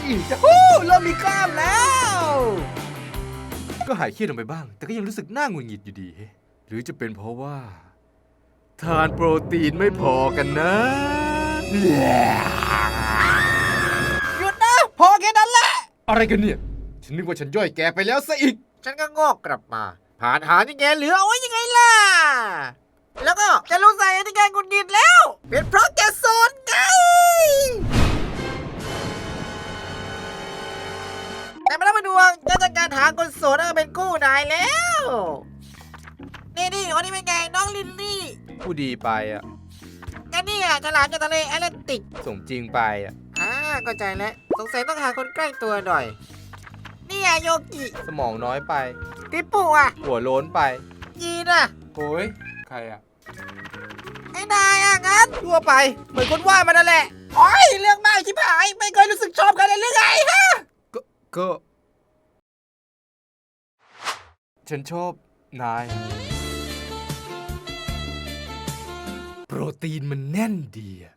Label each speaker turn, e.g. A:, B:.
A: จะเริ่มมีกล้ามแล้ว ก็หายเครียดลงไปบ้าง แต่ก็ยังรู้สึกหน้าหงุดหงิดอยู่ดี หรือจะเป็นเพราะว่า ทานโปรตีนไม่พอกันนะ หยุดนะ พอแค่นั้นแหละ อะไรกันเนี่ย ฉันนึกว่าฉันย่อยแกไปแล้วซะอีก
B: ฉันก็งอกกลับมา ผ่านหาที่แกเหลือเอาไว้ยังไงล่ะ แล้วก็จะรู้ใส่ที่แกหงุดหงิดแล้ว เป็นเพราะแกโซนไง แต่ไม่ต้องมาดวงจะจัดการหาคนโสดให้มาเป็นคู่นายแล้ว นี่วันนี้เป็นไงน้องลินลี่
A: ผู้ดีไปอ่ะ
B: กันนี่อ่ะฉลามจากทะเลแอตแลนติก
A: สมจริงไปอ่ะ
B: เข้าใจแล้ว สงสัยต้องหาคนใกล้ตัวหน่อย นี่อ่ะโยกิ
A: สมองน้อยไป
B: ติปปุอ่ะ
A: หัวโล้นไป
B: ยีนอ่ะ
A: โอ้ยใครอ่ะ
B: ไอ้นายอ่ะงั้นทั่วไป เหมือนคนว่ามันนั่นแหละโอ้ยเรื่องมากชิบหาย ไม่เคยรู้สึกชอบกันเลยหรือไงฮะ
A: ก็ ฉันชอบนาย โปรตีนมันแน่นดีอะ